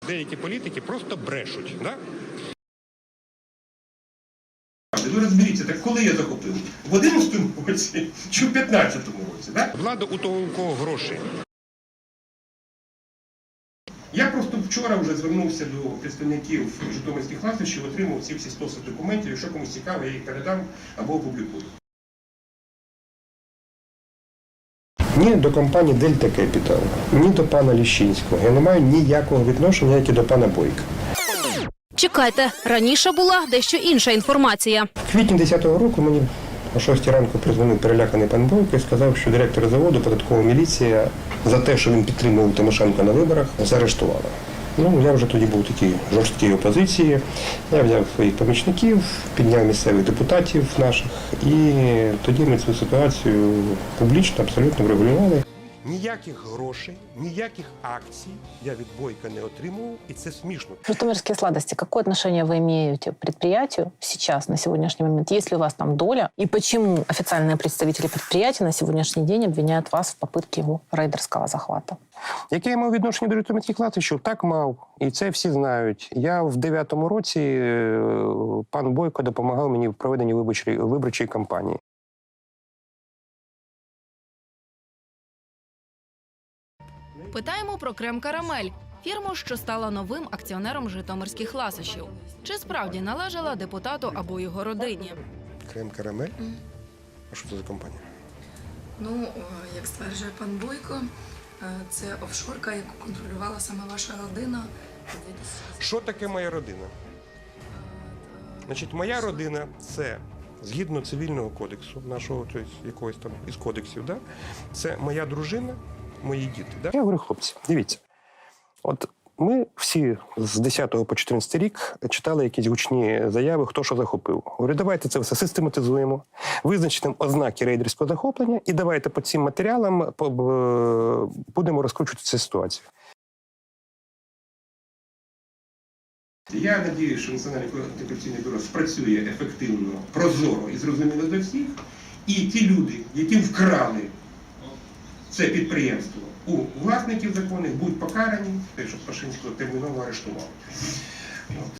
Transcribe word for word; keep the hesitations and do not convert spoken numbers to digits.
Деякі політики просто брешуть, да? Ви розберіться, так коли я захопив? В одинадцятому році чи в п'ятнадцятому році, да? Влада у того, у кого гроші. Я просто вчора вже звернувся до представників житомирських ласощів, отримав ці всі стоси документів. Якщо комусь цікаво, я їх передам або опублікую. Ні до компанії Дельта Кепітал, ні до пана Ліщинського. Я не маю ніякого відношення, як і до пана Бойка. Чекайте, раніше була дещо інша інформація. В квітні десятого року мені о шостій ранку призвонив переляканий пан Бойко і сказав, що директор заводу, податкова міліція, за те, що він підтримував Тимошенко на виборах, заарештувала. Ну, я вже тоді був в такій жорсткій опозиції. Я взяв своїх помічників, підняв місцевих депутатів наших, і тоді ми цю ситуацію публічно абсолютно врегулювали. Ніяких грошей, ніяких акцій я від Бойка не отримував, і це смішно. Житомирские сладости. Какое отношение вы имеете к предприятию сейчас, на сегодняшний момент? Есть ли у вас там доля? И почему официальные представители предприятия на сегодняшний день обвиняют вас в попытке его рейдерского захвата? Яке я мав відношення до житомирських латищів? Так мав. І це всі знають. Я в дев'ятому році, пан Бойко допомагав мені в проведенні виборчої, виборчої кампанії. Питаємо про Крем-Карамель, фірму, що стала новим акціонером житомирських ласощів. Чи справді належала депутату або його родині? Крем-Карамель? А що це за компанія? Ну, як стверджує пан Бойко, це офшорка, яку контролювала саме ваша родина. Що таке моя родина? Значить, моя родина – це, згідно цивільного кодексу, нашого, тобто якогось там із кодексів, да? Це моя дружина, мої діти. Да? Я говорю, хлопці, дивіться, от ми всі з десятого по чотирнадцятий рік читали якісь гучні заяви, хто що захопив. Говорю, давайте це все систематизуємо, визначимо ознаки рейдерського захоплення і давайте по цим матеріалам будемо розкручувати цю ситуацію. Я сподіваюся, що Національне антикорупційне бюро спрацює ефективно, прозоро і зрозуміло до всіх. І ті люди, які вкрали це підприємство у власників законних, будуть покарані, щоб Пашинського терміново арештували.